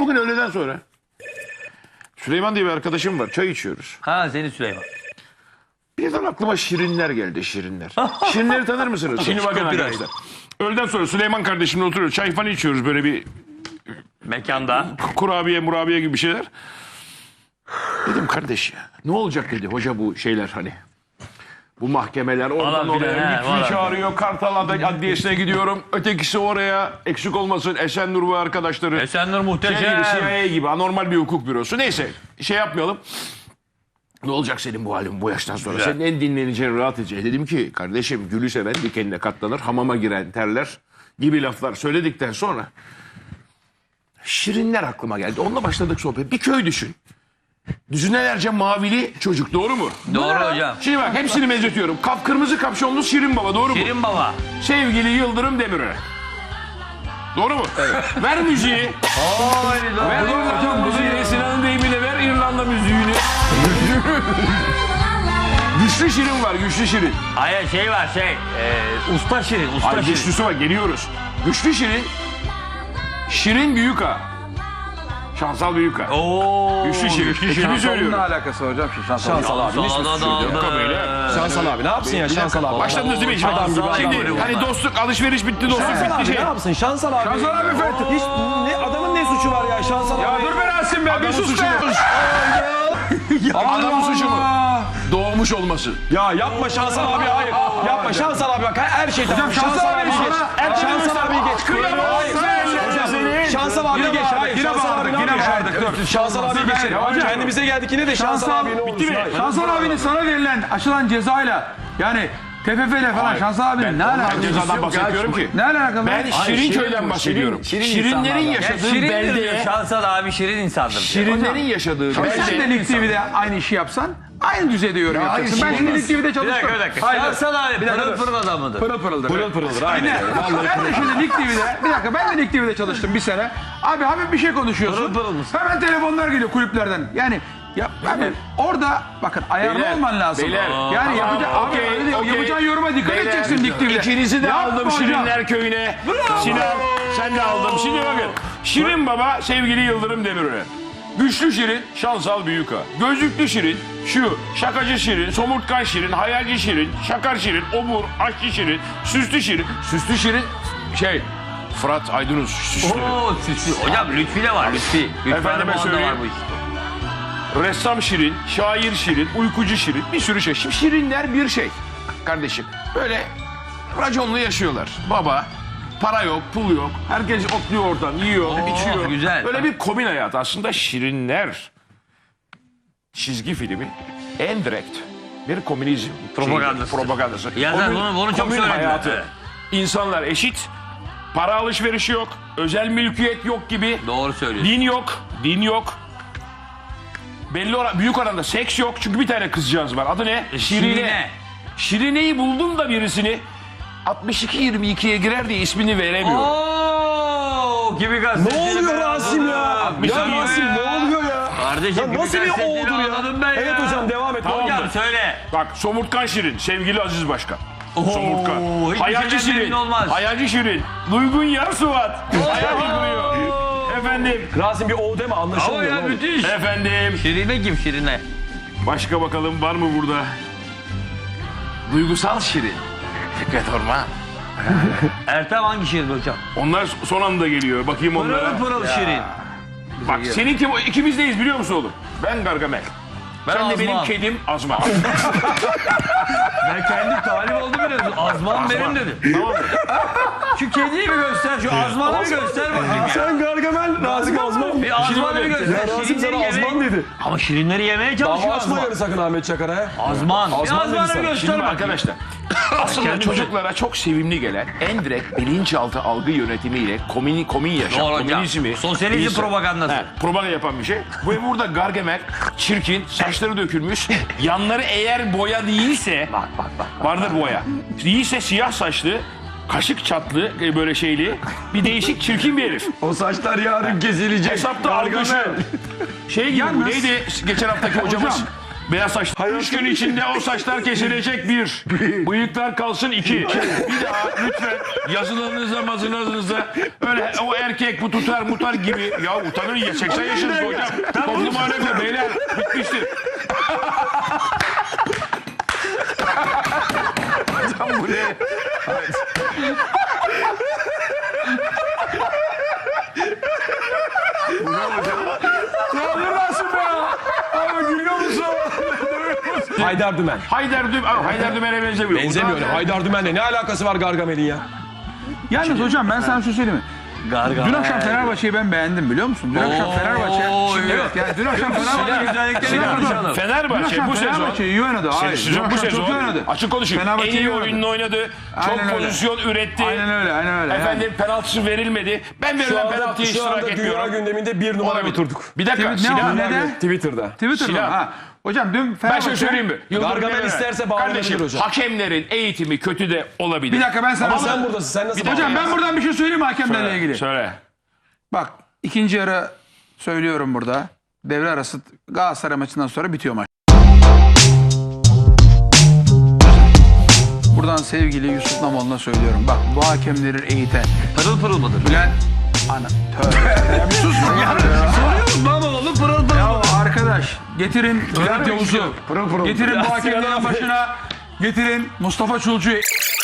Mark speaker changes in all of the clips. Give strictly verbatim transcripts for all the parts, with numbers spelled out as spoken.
Speaker 1: Bugün öğleden sonra Süleyman diye bir arkadaşım var. Çay içiyoruz.
Speaker 2: Ha seni Süleyman.
Speaker 1: Birden aklıma şirinler geldi, şirinler. Şirinleri tanır mısınız? Şimdi bakın arkadaşlar. Öğleden sonra Süleyman kardeşimle oturuyoruz. Çay falan içiyoruz, böyle bir
Speaker 2: Mekanda.
Speaker 1: kurabiye murabiye gibi bir şeyler. Dedim kardeş ya, ne olacak dedi hoca bu şeyler hani. Bu mahkemeler oradan
Speaker 2: Falan filan,
Speaker 1: oraya
Speaker 2: he,
Speaker 1: lütfi
Speaker 2: falan.
Speaker 1: çağırıyor. Kartal Adliyesi'ne gidiyorum. Ötekisi oraya. Eksik olmasın Esenur ve arkadaşları.
Speaker 2: Esenler
Speaker 1: Şey
Speaker 2: muhteşem.
Speaker 1: gibi, C I A gibi anormal bir hukuk bürosu. Neyse şey yapmayalım. Ne olacak senin bu halin bu yaştan sonra?
Speaker 2: Güzel.
Speaker 1: Senin en dinleneceğin, rahat edeceğin. Dedim ki kardeşim, gülü seven dikenine katlanır, hamama giren terler gibi laflar söyledikten sonra şirinler aklıma geldi. Onunla başladık sohbet. Bir köy düşün. Düzinelerce mavili çocuk, doğru mu?
Speaker 2: Doğru hocam.
Speaker 1: Şimdi bak hepsini benzetiyorum. Kap kırmızı kapşonlu Şirin Baba, doğru mu?
Speaker 2: Şirin Baba.
Speaker 1: Sevgili Yıldırım Demirören. Doğru mu? Evet. Ver müziği. Ver İrlanda müziğini. Sinan'ın deyimiyle ver İrlanda müziğini. Güçlü Şirin var, güçlü Şirin.
Speaker 2: Hayır şey var şey. E, usta Şirin. Usta
Speaker 1: Ay,
Speaker 2: Şirin.
Speaker 1: güçlüsü var, geliyoruz. Güçlü Şirin. Şirin Büyüka. Şansal Büyüka.
Speaker 2: Oo.
Speaker 1: Güçlü Şirin. Ekibi
Speaker 3: Ne
Speaker 1: söylüyorum.
Speaker 3: alakası var hocam şimdi Şansal,
Speaker 4: Şansal abi. Ne
Speaker 2: Salada
Speaker 4: söylüyor?
Speaker 2: daldı.
Speaker 1: Beyler.
Speaker 4: Şansal abi ne yapsın ya Şansal abi?
Speaker 1: Başladınız değil mi? Şimdi,
Speaker 4: Adam gibi adam
Speaker 1: şimdi
Speaker 4: gibi.
Speaker 1: hani dostluk, alışveriş bitti, dostluk
Speaker 4: Şansal
Speaker 1: bitti
Speaker 4: abi
Speaker 1: şey.
Speaker 4: ne yapsın? Şansal abi.
Speaker 3: Şansal abi Fethi.
Speaker 4: Hiç ne, adamın ne suçu var ya Şansal abi?
Speaker 3: Ya dur be Rasim be, bir
Speaker 1: Adamın
Speaker 3: sus
Speaker 1: suçu
Speaker 3: be.
Speaker 1: mu? Adamın suçu mu? Doğmuş olması.
Speaker 4: Ya yapma Şansal abi hayır. Yapma Şansal abi bak her şey tamam.
Speaker 3: Şansal abi
Speaker 4: geç.
Speaker 3: sana-
Speaker 4: Şansal abi geç. Hayır. Şansal abi geç. Hayır.
Speaker 3: Yine
Speaker 4: Şansal
Speaker 3: bağırdık,
Speaker 4: abi
Speaker 3: yine
Speaker 4: ne yapıyor?
Speaker 3: bağırdık, dur.
Speaker 4: Şansal abi geçelim.
Speaker 3: Hocam.
Speaker 4: Kendimize geldik yine de Şansal
Speaker 3: Şansal
Speaker 4: abi ne olursun.
Speaker 3: bitti mi?
Speaker 4: Hayır.
Speaker 3: Şansal abinin sana verilen aşılan cezayla yani T F F ile falan Şansal abinin ne
Speaker 1: Ben
Speaker 3: alakası?
Speaker 1: cezadan bahsetmiyorum ki.
Speaker 3: Ne alakalı?
Speaker 1: Ben Şirinköy'den bahsediyorum. Şirinlerin yaşadığı
Speaker 2: Şirin diyor.
Speaker 1: beldeye,
Speaker 2: Şansal abi şirin insandır. diyor.
Speaker 1: Şirinlerin yaşadığı
Speaker 3: Sen de
Speaker 1: beldeye.
Speaker 3: Lig T V'de aynı işi yapsan aynı düzeyde yorum yapacaksın. Ben
Speaker 1: hayır,
Speaker 3: şimdi
Speaker 1: olmaz.
Speaker 3: Lig T V'de
Speaker 2: Bir
Speaker 3: çalıştım.
Speaker 2: dakika bir dakika.
Speaker 3: Hayır.
Speaker 2: Şansal abi
Speaker 3: Bir dakika,
Speaker 2: pırıl
Speaker 3: dur.
Speaker 2: pırıl adamıdır.
Speaker 3: Pırıl pırıldır.
Speaker 4: Pırıl pırıldır. Aynen.
Speaker 3: Ben de şimdi Lig T V'de, bir dakika ben de Lig T V'de çalıştım bir sene. Abi hafif bir şey konuşuyorsun.
Speaker 2: Pırıl pırıl mısın?
Speaker 3: Hemen telefonlar geliyor kulüplerden. Yani ya abi orada bakın ayarlı
Speaker 1: Beyler,
Speaker 3: olman lazım.
Speaker 1: beyler.
Speaker 3: Yani
Speaker 1: Tamam,
Speaker 3: yapacak, abi,
Speaker 1: okey,
Speaker 3: öyle değil.
Speaker 1: okey.
Speaker 3: yapacağın yoruma dikkat
Speaker 1: Beyler,
Speaker 3: edeceksin Lig T V'de.
Speaker 1: İkinizi de
Speaker 3: Yapma
Speaker 1: aldım
Speaker 3: hocam.
Speaker 1: Şirinler Köyü'ne. Sinan sen de aldım. Şimdi bakın. Şirin Baba sevgili Yıldırım Demirören. Güçlü Şirin, Şansal Büyüka. Gözlüklü Şirin, şu şakacı Şirin, somurtkan Şirin, hayalci Şirin, şakar Şirin, obur, aşçı Şirin, süslü Şirin. Süslü Şirin şey Fırat Aydınus süslü.
Speaker 2: Oo süslü. Hocam Lütfi de var Lütfi. Lütfi
Speaker 1: Efendime
Speaker 2: Hanım onda
Speaker 1: söyleyeyim.
Speaker 2: var bu işte.
Speaker 1: Ressam Şirin, şair Şirin, uykucu Şirin, bir sürü şey. Şimdi Şirinler bir şey kardeşim. Böyle raconlu yaşıyorlar. Baba, para yok, pul yok. Herkes otluyor oradan, yiyor, içiyor.
Speaker 2: güzel.
Speaker 1: Böyle bir komün hayat. Aslında Şirinler çizgi filmi en direkt bir komünizm
Speaker 2: Propagandası.
Speaker 1: şeyi, propagandası.
Speaker 2: Ya sen
Speaker 1: Komün-
Speaker 2: bunu- bunu çok
Speaker 1: komün
Speaker 2: söylediler.
Speaker 1: hayatı.
Speaker 2: Evet.
Speaker 1: İnsanlar eşit, para alışverişi yok, özel mülkiyet yok gibi.
Speaker 2: Doğru söylüyorsun.
Speaker 1: Din yok, din yok. Belli oran, büyük oranda seks yok çünkü bir tane kızcağız var. Adı ne?
Speaker 2: Şirine.
Speaker 1: Şirine'yi buldum da birisini altmış iki yirmi ikiye girer diye ismini veremiyorum.
Speaker 2: Oo gibi gazeteci.
Speaker 4: Ne oluyor Rasim ya? Ya
Speaker 1: bir saniye
Speaker 4: Rasim ne oluyor ya?
Speaker 2: Kardeşim
Speaker 4: Ya
Speaker 2: gibi
Speaker 4: nasıl bir
Speaker 2: gazeteci
Speaker 4: oğudur ya?
Speaker 2: anladım ben
Speaker 4: Evet
Speaker 2: ya.
Speaker 4: hocam devam et.
Speaker 1: Tamam.
Speaker 2: Hocam söyle.
Speaker 1: Bak Somurtkan Şirin, sevgili Aziz Başkan. Somurtkan.
Speaker 2: hiçbir
Speaker 1: Hayalci
Speaker 2: şeyden
Speaker 1: Şirin.
Speaker 2: emin olmaz.
Speaker 1: Hayalci Şirin. Duygun Yarsuvat. Hayal kuruyor. Efendim.
Speaker 4: Rasim bir o deme
Speaker 2: Ama
Speaker 4: anlaşılmıyor.
Speaker 2: ya
Speaker 4: ne olur.
Speaker 2: müthiş.
Speaker 1: Efendim.
Speaker 2: Şirine kim Şirine?
Speaker 1: Başka bakalım var mı burada? Duygusal Şirin. Fikret Orman.
Speaker 2: Ertem hangi Şirin hocam?
Speaker 1: Onlar son anda geliyor. Bakayım onlara.
Speaker 2: Pırıl pırıl Şirin.
Speaker 1: Bak senin kim? İkimizdeyiz biliyor musun oğlum? Ben Gargamel.
Speaker 2: Ben
Speaker 1: Sen de
Speaker 2: Azman.
Speaker 1: benim kedim Azman.
Speaker 2: Ben kendim talip oldum biliyorsun. Azman benim dedim.
Speaker 1: Tamam mı?
Speaker 2: Şu kediyi bir göster, şu azmanı bir göster bakayım ya.
Speaker 4: Sen Gargamel, Rasim Azman.
Speaker 2: Bir azmanı bir göster.
Speaker 4: Ya Rasim
Speaker 2: Şirinleri
Speaker 4: sana Azman
Speaker 2: yemeye...
Speaker 4: dedi.
Speaker 2: Ama şirinleri yemeye
Speaker 4: Dava
Speaker 2: çalışıyor
Speaker 4: açma
Speaker 2: azman.
Speaker 4: yarı sakın Ahmet Çakar'a ya.
Speaker 2: Azman. Bir
Speaker 4: Azman dedi
Speaker 2: azmanı bir
Speaker 4: sana.
Speaker 2: göster
Speaker 1: Şimdi
Speaker 2: bakayım.
Speaker 1: arkadaşlar aslında
Speaker 2: Kendimize-
Speaker 1: çocuklara çok sevimli gelen en direkt bilinçaltı algı yönetimiyle komün, komün yaşam,
Speaker 2: Doğru hocam.
Speaker 1: komünizmi...
Speaker 2: Sosyalizm
Speaker 1: insan-
Speaker 2: propagandası.
Speaker 1: He, propaganda yapan bir şey. Bu burada Gargamel, çirkin, saçları dökülmüş, yanları eğer boya değilse... Bak bak bak. Vardır boya. Değilse siyah saçlı, kaşık çatlı e, böyle şeyli, bir değişik çirkin bir herif.
Speaker 4: O saçlar yarın kesilecek.
Speaker 1: Hesapta algısı. Şey gibi bu,
Speaker 3: Yalnız-
Speaker 1: neydi geçen haftaki hocamız? Beyaz saç. Üç gün içinde o saçlar kesilecek bir. Bıyıklar kalsın iki. Bir daha lütfen yazılarınızda mazılarınızda öyle o erkek bu tutar mutar gibi. Ya utanın ya seksen yaşınız hocam. Toplum alemde beyler bitmiştir. Hocam bu ne? Bu ne hocam?
Speaker 3: Ne yapıyorsun be ya? Abi gülüyor musun?
Speaker 4: Haydar Dümen.
Speaker 1: Haydar Dümen, Aa, Haydar Dümen'e benzemiyor.
Speaker 4: Benzemiyor.
Speaker 1: Utan-
Speaker 4: Haydar Dümen'le ne alakası var Gargamel'in ya?
Speaker 3: Yalnız hocam ben sana şu söyleyeyim mi?
Speaker 2: Gargamel.
Speaker 3: Dün akşam Fenerbahçe'yi ben beğendim biliyor musun? Dün akşam Fenerbahçe. Şimdi evet yani dün akşam Fenerbahçe.
Speaker 2: güzellikleri
Speaker 3: Dün
Speaker 2: yapmış
Speaker 3: akşam-
Speaker 2: adam.
Speaker 3: Dün
Speaker 1: Fenerbahçe
Speaker 3: akşam
Speaker 1: bu sezon
Speaker 3: Fenerbahçe iyi oynadı. Hayır.
Speaker 1: sezon,
Speaker 3: Dün
Speaker 1: bu
Speaker 3: akşam çok iyi
Speaker 1: sezon
Speaker 3: oynadı.
Speaker 1: açık konuşayım. En
Speaker 3: Fenerbahçe
Speaker 1: iyi
Speaker 3: iyi oynadı.
Speaker 1: oyununu oynadı. Çok
Speaker 3: Aynen öyle.
Speaker 1: pozisyon üretti.
Speaker 3: Aynen öyle, aynen öyle.
Speaker 1: Efendim penaltısı verilmedi. Ben
Speaker 4: Şu
Speaker 1: verilen
Speaker 4: anda,
Speaker 1: penaltıya
Speaker 4: şu
Speaker 1: iştirak
Speaker 4: anda dünya
Speaker 1: etmiyorum.
Speaker 4: gündeminde bir numara
Speaker 1: Olabilir.
Speaker 4: oturduk.
Speaker 1: Bir dakika
Speaker 3: Ne
Speaker 1: Sinan.
Speaker 3: o, ne de?
Speaker 4: Twitter'da.
Speaker 3: Twitter'da
Speaker 1: Sinan.
Speaker 3: ha. Hocam dün
Speaker 1: Ben
Speaker 3: Fenerbahçe.
Speaker 1: şöyle söyleyeyim mi? Yıldırım
Speaker 4: Gargamel
Speaker 1: Demirören.
Speaker 4: isterse bağlanabilir
Speaker 1: Kardeşim,
Speaker 4: hocam.
Speaker 1: hakemlerin eğitimi kötü de olabilir.
Speaker 3: Bir dakika ben sana.
Speaker 4: Ama sen buradasın. Sen nasıl
Speaker 1: Bir dakika.
Speaker 3: Hocam ben buradan bir şey söyleyeyim mi hakemlerle
Speaker 1: Söyle,
Speaker 3: ilgili?
Speaker 1: Söyle.
Speaker 3: Bak ikinci yarı söylüyorum burada. Devre arası Galatasaray maçından sonra bitiyor maç. Buradan sevgili Yusuf Namoğlu'na söylüyorum. Bak bu hakemleri eğiten.
Speaker 2: Pırıl pırıl mıdır?
Speaker 3: Bülent. Ana. Tövbe. Ya bir sus ya.
Speaker 2: Soruyorum lan oğlum pırıl pırıl.
Speaker 3: Ya arkadaş getirin Bülent Yavuz'u. Getirin bu hakemlerin
Speaker 4: Sinan abi.
Speaker 3: başına. Getirin Mustafa Çulcu'yu.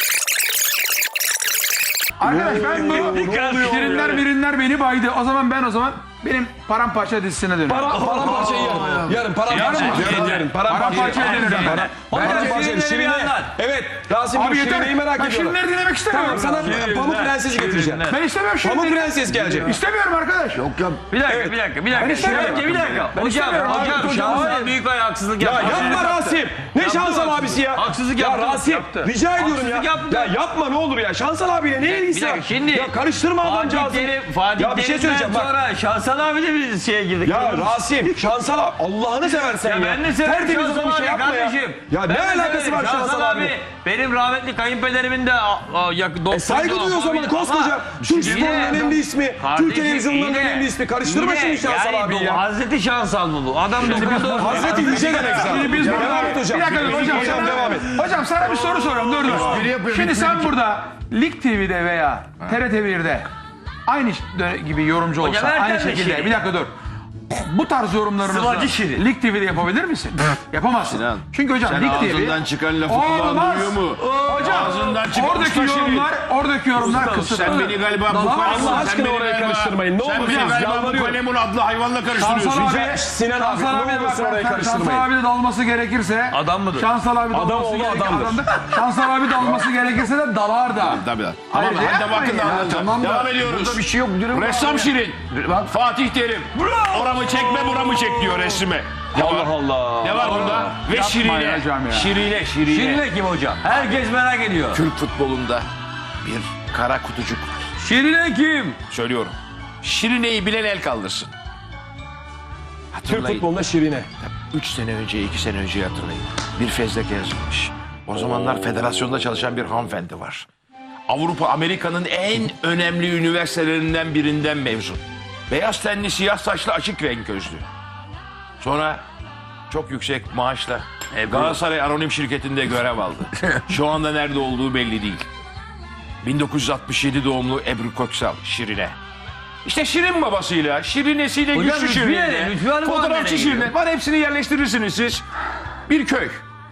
Speaker 3: Arkadaş ben bu şirinler birinler beni baydı. O zaman ben o zaman benim paramparça dizisine dönüyorum.
Speaker 4: Para, paramparçayı yarın. Yarın paramparça.
Speaker 3: Yarın mı?
Speaker 4: Yarın yarın. Paramparça.
Speaker 3: Paramparçaya dönüyorum.
Speaker 4: Para- Paramparça.
Speaker 2: Şirinleri
Speaker 4: Şirine.
Speaker 2: yanlar.
Speaker 4: Evet. Rasim
Speaker 3: Abi
Speaker 4: bu
Speaker 3: yeter.
Speaker 4: Şirine'yi merak
Speaker 3: Ben
Speaker 4: ediyorum.
Speaker 3: şirinleri dinlemek istemiyorum.
Speaker 4: Tamam sana Pamuk Prenses'i getireceğim.
Speaker 3: Ben istemiyorum
Speaker 4: Pamuk
Speaker 3: şirinleri.
Speaker 4: Prenses gelecek.
Speaker 3: İstemiyorum arkadaş.
Speaker 2: Bir dakika, bir dakika, bir dakika.
Speaker 3: istemiyorum.
Speaker 2: Önce bir dakika.
Speaker 3: Ben
Speaker 2: Hocam,
Speaker 3: istemiyorum abi,
Speaker 2: hocam,
Speaker 3: hocam,
Speaker 2: Şansal
Speaker 3: hayır.
Speaker 2: Büyükay haksızlık
Speaker 4: Ya
Speaker 2: yaptı.
Speaker 4: yapma Rasim. Ne
Speaker 2: Yaptı
Speaker 4: Şansal
Speaker 2: mı?
Speaker 4: abisi ya?
Speaker 2: Haksızlık
Speaker 4: ya
Speaker 2: yaptı.
Speaker 4: Rasim
Speaker 2: Yaptı.
Speaker 4: rica ediyorum
Speaker 2: Haksızlık
Speaker 4: ya.
Speaker 2: yaptı.
Speaker 4: Ya yapma ne olur ya. Şansal abiyle ne ilgisi
Speaker 2: Bir
Speaker 4: var?
Speaker 2: dakika şimdi.
Speaker 4: Ya karıştırma
Speaker 2: Fatih
Speaker 4: adamcağızı.
Speaker 2: Terim, Fatih
Speaker 4: Ya bir şey söyleyeceğim bak.
Speaker 2: sonra Şansal abi de biz şeye girdik.
Speaker 4: Ya Rasim, Şansal abi Allah'ını seversen ya.
Speaker 2: Ya ben de severim
Speaker 4: Tertemiz
Speaker 2: Şansal
Speaker 4: adam bir şey
Speaker 2: abi
Speaker 4: yapma ya.
Speaker 2: kardeşim.
Speaker 4: Ya
Speaker 2: Ben
Speaker 4: ne
Speaker 2: de
Speaker 4: alakası
Speaker 2: severim.
Speaker 4: var Şansal abi?
Speaker 2: Benim rahmetli kayınpederimin de a, a, yak, doktordu.
Speaker 4: E saygı duyuyor o zaman
Speaker 2: Ama-
Speaker 4: koskoca. Türk
Speaker 2: Yine-
Speaker 4: sporunun önemli ismi.
Speaker 2: Kardeşim,
Speaker 4: Türk televizyonunun
Speaker 2: yine-
Speaker 4: önemli ismi. Karıştırma
Speaker 2: yine-
Speaker 4: şimdi Şansal
Speaker 2: yani
Speaker 4: abi
Speaker 2: bu
Speaker 4: ya.
Speaker 2: Hazreti Şansal mı bu? Adam dokundu.
Speaker 4: Hazreti Yüce demek zaten.
Speaker 3: Şimdi biz
Speaker 4: Ya
Speaker 3: burada...
Speaker 4: devam et hocam.
Speaker 3: Bir dakika dur hocam.
Speaker 4: Hocam
Speaker 3: sana-
Speaker 4: devam et.
Speaker 3: Hocam sana bir soru soruyorum. Dur dur. Şimdi sen burada Lig T V'de veya T R T bir'de aynı dö- gibi yorumcu
Speaker 2: Hocam
Speaker 3: olsan
Speaker 2: Ertem
Speaker 3: aynı
Speaker 2: de
Speaker 3: şekilde
Speaker 2: Şirin.
Speaker 3: bir dakika dur. Bu tarz yorumlarınızı
Speaker 2: Sıvacı Şirin.
Speaker 3: Lig T V'de yapabilir misin? Yapamazsın.
Speaker 1: Sinan,
Speaker 3: Çünkü hocam
Speaker 1: Sen
Speaker 3: Lig T V
Speaker 1: ağzından çıkan lafı kulağın
Speaker 3: Olmaz.
Speaker 1: duyuyor mu?
Speaker 3: Hocam
Speaker 1: Ağzından çıkan
Speaker 3: oradaki
Speaker 1: usta Şirin.
Speaker 3: yorumlar oradaki yorumlar kısıtlı.
Speaker 1: Sen beni galiba bu
Speaker 3: Dalamazsın.
Speaker 1: kalemun,
Speaker 4: Allah
Speaker 1: sen
Speaker 4: aşkına
Speaker 1: beni
Speaker 4: oraya
Speaker 1: galiba,
Speaker 4: karıştırmayın. Ne
Speaker 1: sen
Speaker 4: olur
Speaker 1: beni
Speaker 4: siz
Speaker 1: galiba bu
Speaker 4: yalvarıyorum.
Speaker 1: kalemun adlı hayvanla karıştırıyorsun.
Speaker 3: Şansal abi,
Speaker 4: Rica- Sinan abi,
Speaker 3: Şansal
Speaker 4: ne
Speaker 3: abi,
Speaker 4: olursun
Speaker 3: bak,
Speaker 4: oraya
Speaker 3: bak,
Speaker 4: karıştırmayın.
Speaker 3: Şansal abi de dalması gerekirse
Speaker 2: Adam mıdır?
Speaker 3: Şansal abi dalması
Speaker 4: Adam oğlu
Speaker 3: gerekirse
Speaker 4: adamdır.
Speaker 3: adamdır. Şansal abi dalması gerekirse de dalar da.
Speaker 1: Tabii tabii.
Speaker 3: Hayır,
Speaker 1: Tamam hadi
Speaker 3: yapmayın
Speaker 1: bakın da
Speaker 3: ya,
Speaker 1: anlatın.
Speaker 3: tamam da.
Speaker 1: Devam ediyoruz.
Speaker 3: Burada bir şey yok. Dürüm
Speaker 1: Ressam
Speaker 3: var.
Speaker 1: Şirin. Fatih Terim. Oramı çekme buramı çek diyor resime.
Speaker 4: Allah Allah.
Speaker 1: Ne var bunda? Ve
Speaker 3: Yapma
Speaker 1: Şirine.
Speaker 3: ya hocam ya.
Speaker 1: Şirine, Şirine.
Speaker 2: Şirine kim hocam? Herkes merak ediyor.
Speaker 1: Türk futbolunda bir kara kutucuk var.
Speaker 2: Şirine kim?
Speaker 1: Söylüyorum. Şirine'yi bilen el kaldırsın.
Speaker 4: Türk
Speaker 1: Hatırlayın.
Speaker 4: futbolunda Şirine.
Speaker 1: Üç sene önce, iki sene önce hatırlayın. Bir fezleke yazılmış. O zamanlar federasyonda çalışan bir hanımefendi var. Avrupa, Amerika'nın en önemli üniversitelerinden birinden mezun. Beyaz tenli, siyah saçlı, açık renk gözlü. Sonra çok yüksek maaşla Galatasaray Anonim Şirketi'nde görev aldı. Şu anda nerede olduğu belli değil. bin dokuz yüz altmış yedi doğumlu Ebru Köksal, Şirine. İşte Şirin babasıyla, Şirinesiyle,
Speaker 2: Hocam
Speaker 1: güçlü
Speaker 2: Lütfiye
Speaker 1: Şirin'le,
Speaker 2: ne? Lütfiye Hanım var
Speaker 1: fotoğrafçı
Speaker 2: nereye
Speaker 1: Şirin'le.
Speaker 2: gidiyor?
Speaker 1: Var hepsini yerleştirirsiniz siz. Bir köy.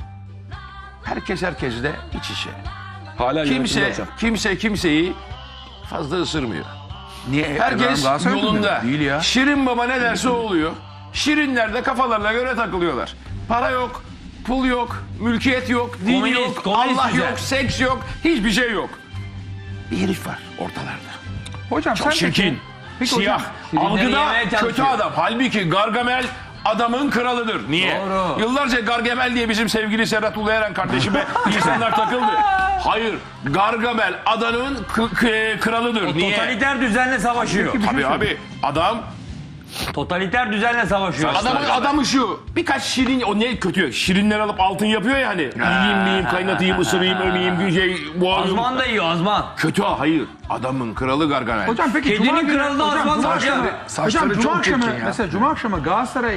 Speaker 1: Herkes herkesle iç içe.
Speaker 4: Hala yönetimde
Speaker 1: Kimse,
Speaker 4: hocam.
Speaker 1: kimse kimseyi fazla ısırmıyor.
Speaker 3: Niye?
Speaker 1: Herkes
Speaker 3: Galatasaray
Speaker 1: yolunda.
Speaker 3: Değil ya.
Speaker 1: Şirin baba ne derse o oluyor. Şirinler de kafalarına göre takılıyorlar. Para yok, pul yok, mülkiyet yok, din
Speaker 2: Komünist,
Speaker 1: yok,
Speaker 2: komünist
Speaker 1: Allah
Speaker 2: güzel.
Speaker 1: yok, seks yok, hiçbir şey yok. Bir herif var ortalarda.
Speaker 3: Hocam
Speaker 1: Çok
Speaker 3: sen
Speaker 1: çirkin,
Speaker 3: peki- peki
Speaker 1: siyah,
Speaker 3: hocam,
Speaker 2: Şirinleri
Speaker 1: algıda
Speaker 2: yemeye
Speaker 1: kötü
Speaker 2: çalışıyor.
Speaker 1: adam. Halbuki Gargamel adamın kralıdır. Niye?
Speaker 2: Doğru.
Speaker 1: Yıllarca Gargamel diye bizim sevgili Serhat Ulueren kardeşime insanlar takıldı. Hayır, Gargamel adamın k- k- kralıdır. Niye?
Speaker 2: Totaliter düzenle savaşıyor.
Speaker 1: Tabii abi adam
Speaker 2: Totaliter düzenle savaşıyor.
Speaker 1: adamın adamı şu birkaç şirin o ne kötü şirinler alıp altın yapıyor ya hani yiyeyim miyim kaynatayım ısırayım ömeyim şey boğayım.
Speaker 2: Azman da yiyor azman.
Speaker 1: Kötü hayır adamın kralı Gargamel.
Speaker 3: Hocam peki
Speaker 2: Kedinin
Speaker 3: Cuma günü-
Speaker 2: kralı da
Speaker 3: hocam,
Speaker 2: Azman
Speaker 3: Cuma
Speaker 2: var ya.
Speaker 3: akşamı- Hocam Cuma akşamı mesela Cuma akşamı Galatasaray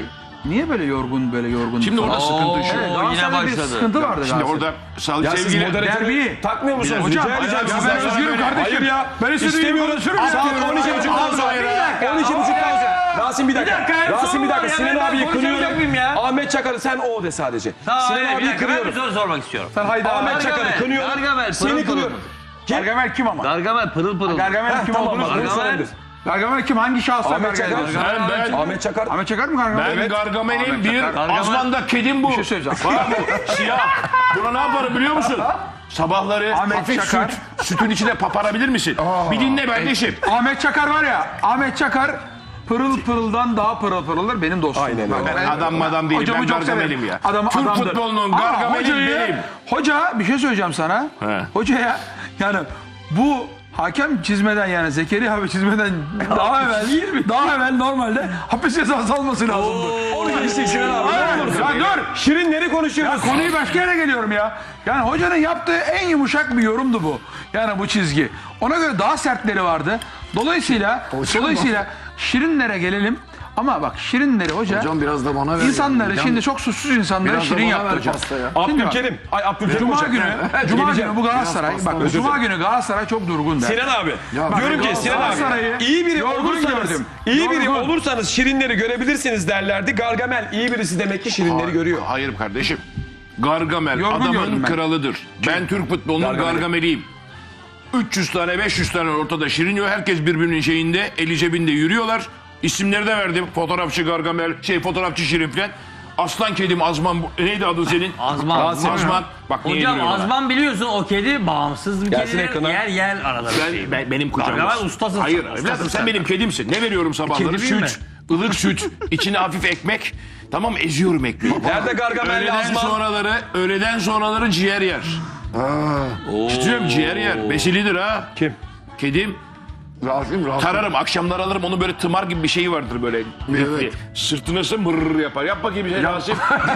Speaker 3: niye böyle yorgun böyle yorgun?
Speaker 1: Şimdi orada sıkıntı şu.
Speaker 3: Evet,
Speaker 2: Oo, yine
Speaker 3: Galatasaray'da bir
Speaker 2: başladı.
Speaker 3: sıkıntı vardı.
Speaker 1: Şimdi
Speaker 3: Galatasaray'da.
Speaker 1: orada sal-
Speaker 4: Ya siz
Speaker 1: sevgili
Speaker 4: moderatörü
Speaker 3: derbi.
Speaker 4: takmıyor musunuz?
Speaker 3: Hocam,
Speaker 4: Rica edeceğim
Speaker 3: hocam,
Speaker 4: sizden.
Speaker 3: ben özgürüm kardeşim.
Speaker 4: Hayır ya.
Speaker 3: Ben istediğim gibi
Speaker 4: İstemiyorum.
Speaker 3: konuşurum ya.
Speaker 4: Saat on iki buçuktan sonra. on iki buçuktan sonra. Rasim bir dakika.
Speaker 2: Bir dakika, en
Speaker 4: Rasim
Speaker 2: son
Speaker 4: bir
Speaker 2: var
Speaker 4: dakika.
Speaker 2: ya,
Speaker 4: Sinan
Speaker 2: ben
Speaker 4: abiyi
Speaker 2: konuşamayacak mıyım
Speaker 4: kınıyorum.
Speaker 2: ya?
Speaker 4: Ahmet Çakar'ı sen o de sadece.
Speaker 2: Tamam,
Speaker 4: Sinan
Speaker 2: öyle, bir
Speaker 4: abiyi
Speaker 2: dakika, ben bir
Speaker 4: kınıyorum.
Speaker 2: soru sormak istiyorum.
Speaker 3: Sen haydi
Speaker 4: Ahmet
Speaker 3: Ahmet
Speaker 4: Çakar'ı
Speaker 2: Gargamel,
Speaker 4: kınıyorum.
Speaker 2: Gargamel,
Speaker 4: Seni
Speaker 2: pırıl
Speaker 4: kınıyorum.
Speaker 3: Gargamel kim ama?
Speaker 2: Gargamel pırıl pırıl.
Speaker 3: Gargamel kim
Speaker 4: Tamam
Speaker 3: olduğunu
Speaker 4: bak bunu
Speaker 2: Gargamel.
Speaker 4: sorabilir.
Speaker 3: Gargamel kim? Hangi şahsa
Speaker 4: Ahmet Çakar.
Speaker 3: Gargamel?
Speaker 1: Ben, ben,
Speaker 4: Ahmet Çakar.
Speaker 3: Ahmet Çakar mı Gargamel?
Speaker 1: ben Gargamel'in
Speaker 3: Ahmet
Speaker 1: bir
Speaker 3: Çakar.
Speaker 1: Azman'da kedim bu.
Speaker 3: Bir şey söyleyeceğim.
Speaker 1: Bak bu siyah. Buna ne yaparım biliyor musun? Sabahları
Speaker 3: Ahmet
Speaker 1: hafif
Speaker 3: Çakar.
Speaker 1: süt, sütün içine paparabilir misin? Bir dinle kardeşim.
Speaker 3: Ahmet Çakar var ya. Ahmet Çakar pırıl pırıldan daha pırıl pırıldır benim dostum.
Speaker 4: Aynen öyle.
Speaker 1: Ben adam madam değilim,
Speaker 3: Hocamı
Speaker 1: ben
Speaker 3: çok
Speaker 1: Gargamel'im
Speaker 3: severim.
Speaker 1: ya.
Speaker 3: Adam,
Speaker 1: Türk
Speaker 3: adamdır.
Speaker 1: futbolunun
Speaker 3: Ama
Speaker 1: Gargamel'i
Speaker 3: hocayı-
Speaker 1: benim.
Speaker 3: Hoca bir şey söyleyeceğim sana.
Speaker 1: He.
Speaker 3: Hocaya yani bu hakem çizmeden yani Zekeriya abi çizmeden daha evvel daha evvel normalde hapis cezası alması lazımdı.
Speaker 4: Onu geçtik Sinan abi.
Speaker 3: Hayır,
Speaker 4: Ne olursun.
Speaker 3: ya dur.
Speaker 4: Şirinleri
Speaker 3: Ya
Speaker 4: konuşuyoruz.
Speaker 3: konuyu başka yere geliyorum ya. Yani hocanın yaptığı en yumuşak bir yorumdu bu. Yani bu çizgi. Ona göre daha sertleri vardı. Dolayısıyla dolayısıyla şirinlere gelelim. Ama bak şirinleri hoca,
Speaker 5: Hocam biraz da bana ver.
Speaker 3: insanları
Speaker 5: ya.
Speaker 3: şimdi çok suçsuz insanları
Speaker 5: Biraz da
Speaker 3: şirin
Speaker 5: bana
Speaker 3: yaptı
Speaker 5: ver
Speaker 3: hocam.
Speaker 5: pasta ya.
Speaker 3: Şimdi bak,
Speaker 4: Abdülkerim. Ay Abdülkerim
Speaker 3: Cuma
Speaker 4: Hoca.
Speaker 3: günü, Cuma
Speaker 4: Geleceğim.
Speaker 3: günü bu Galatasaray,
Speaker 5: Biraz
Speaker 3: bak
Speaker 5: pasta,
Speaker 3: Cuma
Speaker 4: özür
Speaker 3: günü Galatasaray çok durgun der.
Speaker 4: Sinan abi.
Speaker 3: bak,
Speaker 4: diyorum ki Sinan abi.
Speaker 3: Galatasaray'ı
Speaker 4: iyi biri
Speaker 3: yorgun
Speaker 4: olursanız,
Speaker 3: gördüm.
Speaker 4: iyi biri
Speaker 3: Yorgun.
Speaker 4: olursanız şirinleri görebilirsiniz derlerdi. Gargamel iyi birisi demek ki şirinleri görüyor.
Speaker 1: Hayır kardeşim. Gargamel
Speaker 3: Yorgun gördüm
Speaker 1: adamın
Speaker 3: ben.
Speaker 1: kralıdır. Ben Türk futbolunun
Speaker 4: Gargamel.
Speaker 1: Gargamel'iyim. üç yüz tane beş yüz tane ortada şirin yok. Herkes birbirinin şeyinde eli cebinde yürüyorlar. İsimleri de verdim. Fotoğrafçı Gargamel, şey fotoğrafçı Şirin falan. Aslan kedim Azman, bu- neydi adın senin?
Speaker 2: Azman.
Speaker 1: Azman. Azman. Bak niye
Speaker 2: Hocam
Speaker 1: yediriyorlar?
Speaker 2: Azman biliyorsun o kedi bağımsız bir
Speaker 4: Gelsin
Speaker 2: kedidir.
Speaker 4: ekrana.
Speaker 2: Yer yer arada bir şey.
Speaker 1: Ben, ben- benim kucağımda.
Speaker 2: Gargamel ustasın
Speaker 1: Hayır
Speaker 2: sen,
Speaker 1: evladım
Speaker 2: ustasın
Speaker 1: sen
Speaker 2: sen.
Speaker 1: benim kedimsin. Ne veriyorum sabahları?
Speaker 2: Kedi değil
Speaker 1: Süt, ılık süt, içine hafif ekmek. Tamam eziyorum ekmeği.
Speaker 4: Nerede Gargamel'le
Speaker 1: Öğleden
Speaker 4: Azman?
Speaker 1: sonraları, öğleden sonraları ciğer yer. Tutuyorum ciğer yer. Besilidir ha.
Speaker 4: Kim?
Speaker 1: Kedim.
Speaker 5: Rasim Rasim.
Speaker 1: Tararım akşamlar alırım onu böyle tımar gibi bir şey vardır böyle.
Speaker 5: Evet.
Speaker 1: Sırtına sı mırr yapar. Yap bakayım bir şey Rasim.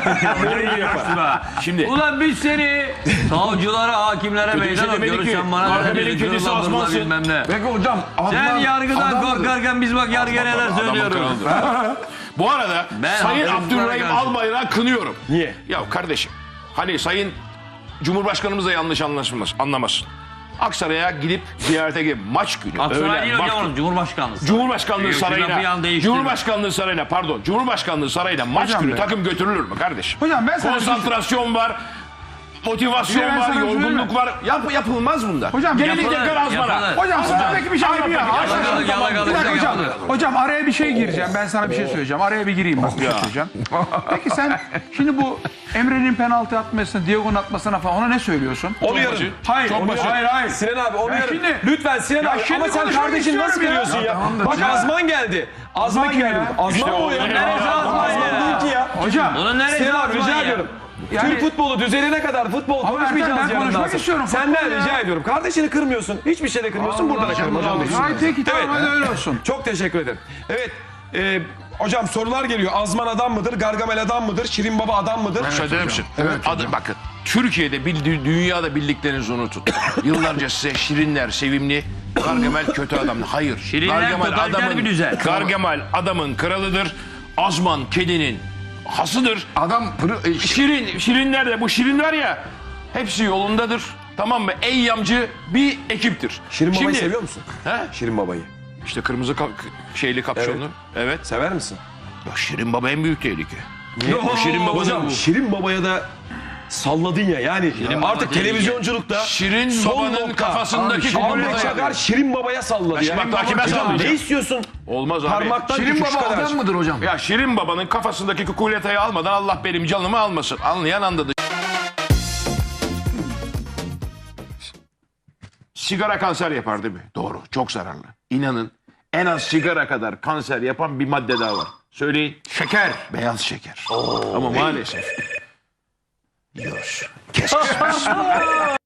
Speaker 1: Mırr yapar. Şimdi.
Speaker 2: Ulan biz seni savcılara, hakimlere
Speaker 1: bir
Speaker 2: meydan
Speaker 1: şey demedik
Speaker 2: okuyoruz.
Speaker 1: ki.
Speaker 2: Sen bana
Speaker 1: Gargamel'in
Speaker 2: dedin,
Speaker 1: kedisi
Speaker 2: gırla bırla
Speaker 1: Azmansın.
Speaker 2: bilmem ne.
Speaker 5: Peki hocam.
Speaker 2: Sen
Speaker 5: Adnan-
Speaker 2: yargıdan
Speaker 5: Adnan-
Speaker 2: korkarken biz bak yargıya neler
Speaker 1: Adamın
Speaker 2: söylüyoruz.
Speaker 1: kralıdır. Bu arada
Speaker 2: Ben
Speaker 1: Sayın
Speaker 2: haksızlıklara
Speaker 1: Abdurrahim
Speaker 2: karşı.
Speaker 1: Albayrak'ı kınıyorum.
Speaker 4: Niye?
Speaker 1: Ya kardeşim hani Sayın Cumhurbaşkanımız da yanlış anlaşılmasın, anlamasın. Aksaray'a gidip ziyarete gidip maç günü.
Speaker 2: Aksaray
Speaker 1: öğlen,
Speaker 2: değil hocam
Speaker 1: vakti-
Speaker 2: onun Cumhurbaşkanlığı.
Speaker 1: Cumhurbaşkanlığı
Speaker 2: Ee, şuradan bir
Speaker 1: sarayına,
Speaker 2: an değiştirin.
Speaker 1: Cumhurbaşkanlığı sarayına pardon, Cumhurbaşkanlığı sarayına maç
Speaker 3: Hocam
Speaker 1: günü
Speaker 3: be.
Speaker 1: takım götürülür mü kardeşim?
Speaker 3: Hocam ben sana bir şey-
Speaker 1: Konsantrasyon var, motivasyon
Speaker 3: Bir de ben
Speaker 1: var,
Speaker 3: sana bir şey
Speaker 1: yorgunluk
Speaker 3: söyleyeyim
Speaker 1: var. Yap, yapılmaz bunlar.
Speaker 3: Hocam
Speaker 1: Gelin
Speaker 3: yapılır,
Speaker 1: tekrar Azman'a.
Speaker 2: yapılır.
Speaker 3: Hocam sana peki bir şey yapayım ya.
Speaker 2: Yalakalık, yalakalık,
Speaker 3: Bir dakika hocam.
Speaker 2: yalakalık.
Speaker 3: Hocam araya bir şey gireceğim. Ben sana bir şey söyleyeceğim. Araya bir gireyim bak bir şey söyleyeceğim. Peki sen şimdi bu Emre'nin penaltı atmasına, Diego'nun atmasına falan ona ne söylüyorsun?
Speaker 4: Onu yarın.
Speaker 3: Hayır,
Speaker 1: Çok
Speaker 3: onu-
Speaker 1: basit.
Speaker 3: hayır, hayır.
Speaker 4: Sinan abi onu
Speaker 3: Ya
Speaker 4: yarın.
Speaker 3: şimdi-
Speaker 4: Lütfen Sinan
Speaker 3: Ya
Speaker 4: abi
Speaker 3: şimdi
Speaker 4: ama sen
Speaker 3: konuşmak
Speaker 4: kardeşin nasıl
Speaker 3: istiyorum ya.
Speaker 4: görüyorsun ya?
Speaker 3: Ya tamamdır.
Speaker 4: Bak
Speaker 3: Hocam-
Speaker 4: Azman geldi. Azman
Speaker 3: kim
Speaker 4: geldi.
Speaker 3: ya?
Speaker 4: Azman
Speaker 1: İşte
Speaker 4: mı o
Speaker 1: o-
Speaker 4: ya?
Speaker 2: Neresi Azman ya?
Speaker 4: Değil ki ya.
Speaker 3: Hocam.
Speaker 2: Bunun neresi
Speaker 4: Sinan abi
Speaker 2: Azman
Speaker 4: rica
Speaker 2: ya?
Speaker 4: ediyorum.
Speaker 3: Yani-
Speaker 4: Türk futbolu düzelene kadar futbol
Speaker 3: Ama
Speaker 4: konuşmayacağız
Speaker 3: Ertem, ben
Speaker 4: yarından
Speaker 3: konuşmak
Speaker 4: sonra.
Speaker 3: istiyorum
Speaker 4: Senden
Speaker 3: futbol ya.
Speaker 4: rica ediyorum. Kardeşini kırmıyorsun. Hiçbir şeyde kırmıyorsun. Burada da kırma.
Speaker 3: Hayır peki tamam
Speaker 4: Evet.
Speaker 3: hadi öyle olsun.
Speaker 4: Çok teşekkür ederim. Evet. e, hocam sorular geliyor. Azman adam mıdır? Gargamel adam mıdır? Şirin Baba adam mıdır?
Speaker 1: Söyler misin? Evet. Adı, bakın Türkiye'de bildi, dünyada bildiklerinizi unutun. Yıllarca size şirinler sevimli, Gargamel kötü adam. Hayır.
Speaker 2: Şirinler totaliter bir düzen.
Speaker 1: Gargamel adamın kralıdır. Azman kedinin hasıdır.
Speaker 5: Adam pırı, e,
Speaker 1: Şirin, şirinler de bu şirin var ya hepsi yolundadır. Tamam mı? Eyyamcı bir ekiptir.
Speaker 4: Şirin Baba'yı
Speaker 1: Şimdi-
Speaker 4: seviyor musun?
Speaker 1: He?
Speaker 4: Şirin Baba'yı.
Speaker 1: İşte kırmızı ka- şeyli kapşonlu. Evet.
Speaker 4: Sever misin?
Speaker 1: Ya Şirin Baba en büyük tehlike.
Speaker 4: Niye?
Speaker 1: Bu Şirin Baba'nın
Speaker 4: Hocam Şirin Baba'ya da salladın ya. Yani
Speaker 2: Baba
Speaker 4: artık
Speaker 2: değil
Speaker 4: televizyonculukta
Speaker 1: Şirin
Speaker 4: son
Speaker 1: Baba'nın
Speaker 4: nokta.
Speaker 1: kafasındaki
Speaker 4: Ahmet
Speaker 1: kukuleyi
Speaker 4: Çakar Şirin Baba'ya salladı ya.
Speaker 1: Şimdi bak, kime
Speaker 4: Hocam
Speaker 1: sallayacak?
Speaker 4: ne istiyorsun?
Speaker 1: Olmaz abi.
Speaker 4: Parmaktan
Speaker 5: Şirin
Speaker 4: küçük
Speaker 5: Baba
Speaker 4: kadar.
Speaker 5: adam mıdır hocam?
Speaker 1: Ya Şirin Baba'nın kafasındaki kukuletayı almadan Allah benim canımı almasın. Anlayan anladı. Sigara kanser yapar değil mi? Doğru. Çok zararlı. İnanın en az sigara kadar kanser yapan bir madde daha var. Söyleyin. Şeker. Beyaz şeker. Ama maalesef. Yiyoruz. Kes kes.